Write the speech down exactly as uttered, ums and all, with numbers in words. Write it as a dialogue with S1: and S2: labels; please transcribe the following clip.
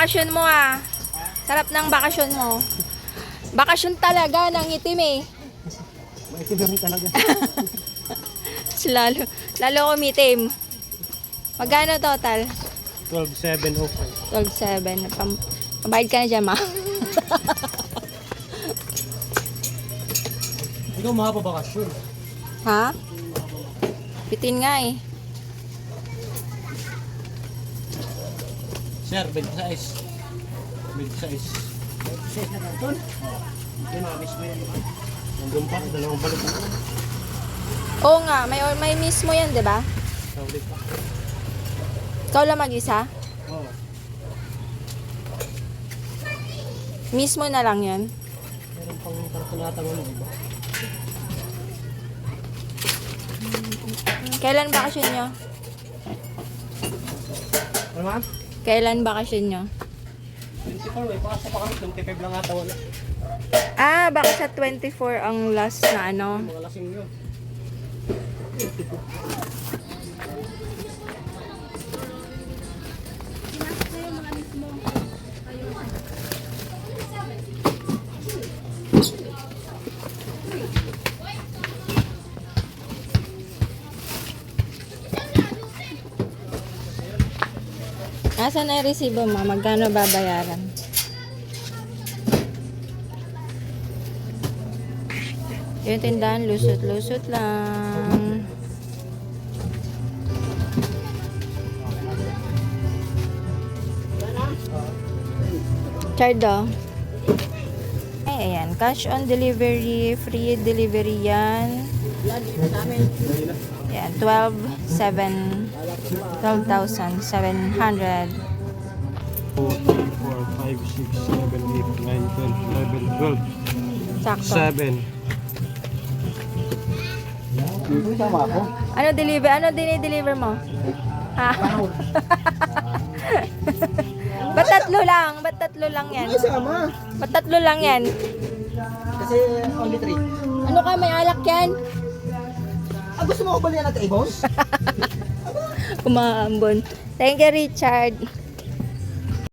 S1: bakasyon mo ah. Sarap ng bakasyon mo. Bakasyon talaga ng itim eh.
S2: Maitim na rin talaga.
S1: lalo, lalo kumitim. Magkano total?
S2: twelve seven oh five.
S1: twelve seven. Pam Pabayad ka na dyan, ma.
S2: Ikaw makapabakasyon.
S1: Ha? Bitin nga eh.
S2: Sir, big size. Big size. Big size na karton? Hindi, nakamiss mo yan. Nandun pa, dalawang balik mo.
S1: Oo nga, may, may mismo yan, di ba?
S2: Saulit pa.
S1: Ikaw lang mag-isa?
S2: Oo.
S1: Mismo na lang yan.
S2: Meron pang kartonatang ano, di ba?
S1: Kailan bakasyon nyo?
S2: Ano ma'am?
S1: Kailan bakasyon nyo?
S2: twenty-four, may pakasa pa kami. twenty-five lang ata wala.
S1: Ah, baka sa twenty-four ang last na ano.
S2: Mga lasing yun.
S1: Nasaan na yung resibo mo? Magkano babayaran? Yung tindahan, lusot-lusot lang. Chardo. Ay, ayan. Cash on delivery. Free delivery yan. Ayan, twelve seven. twelve thousand seven hundred.
S2: four, five, six, seven, eight, nine, ten, eleven, twelve.
S1: Sakto.
S2: seven. Tama ako.
S1: Ano deliver? Ano dinideliver mo? Ha? Ba't tatlo lang? Ba't tatlo lang yan?
S3: Ay, sama.
S1: Ba't tatlo lang yan?
S3: Kasi only three.
S1: Ano ka? May alak yan?
S3: Ah, gusto mo ko balian natin, eh, boss?
S1: Umaambon. Thank you, Richard.